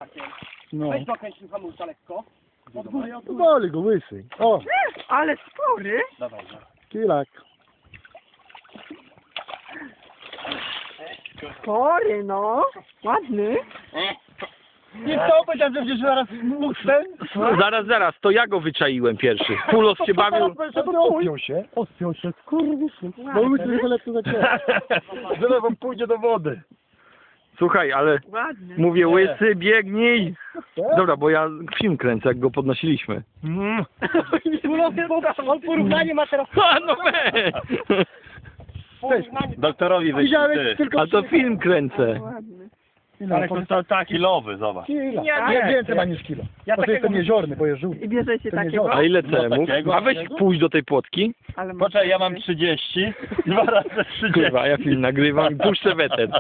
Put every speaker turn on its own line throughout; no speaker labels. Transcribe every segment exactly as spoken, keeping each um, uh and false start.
Markiem.
No.
Weź dokręć tym hamulca lekko. Od góry, od góry.
Boli go łysy. O,
Ale spory.
Dawaj, no.
kilak.
Spory, no. Ładny.
I co, powiedziałem, że będziesz zaraz mógł ten?
Zaraz, zaraz, to ja go wyczaiłem pierwszy. Pulos się bawił.
Odpiął się. Odpiął się, skurwysyn. Bo łysy lepszy zaciera. Zaraz wam pójdzie do wody.
Słuchaj, ale
Ładny.
mówię łysy, biegnij. Dobra, bo ja film kręcę, jak go podnosiliśmy.
Mm.
On porównanie ma teraz.
A no weź!
Porównanie.
Doktorowi wyślij
Widziałeś
ty.
tylko...
A to film kręcę.
Ładny.
Ale to
tak kilowy, zobacz.
kilo.
Ja
Nie,
nie.
więcej ma niż kilo.
Ja
Bo to jest
takiego-
ten jeziorny, bo jest żółty.
I bierzecie
To nie
takiego?
działa.
A ile
No
cemów?
takiego.
A weź pójdź do tej płotki.
Ale ma-
Poczekaj, ja mam trzydzieści. Dwa razy trzydzieści.
Kurwa, ja film nagrywam i puszczę weter.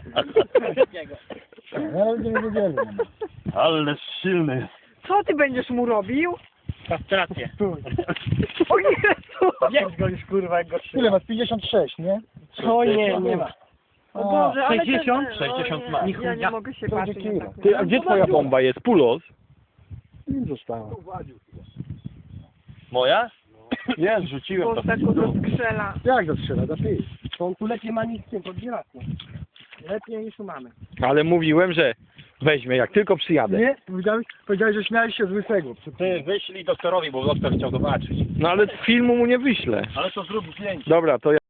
Ja nawet nie wiedzieli.
Ale silny jest.
Co ty będziesz mu robił?
Kastrację.
O Jezu!
Jedź go już kurwa jak go trzyma.
Ile masz? pięćdziesiąt sześć, nie?
O nie, nie ma.
O Boże, ale
sześćdziesiąt?
ten-
sześćdziesiąt
o
ma.
nie, Ja nie mogę się
To będzie
patrzeć
kilo.
na taką.
Ty, a gdzie twoja bomba jest? Pulos?
Im zostało.
Moja? Jest, rzuciłem
Bo
to.
tak go skrzela.
Jak zastrzela? Da pij.
To on tu lepiej ma niż tym, podbieraku. Lepiej niż tu mamy.
Ale mówiłem, że weźmie, jak tylko przyjadę.
Nie? Powiedziałeś, powiedziałeś, że śmiałeś się z łysego.
Ty wyślij doktorowi, bo doktor chciał zobaczyć.
No ale filmu mu nie wyślę.
Ale to zrób zdjęcie.
Dobra, to ja...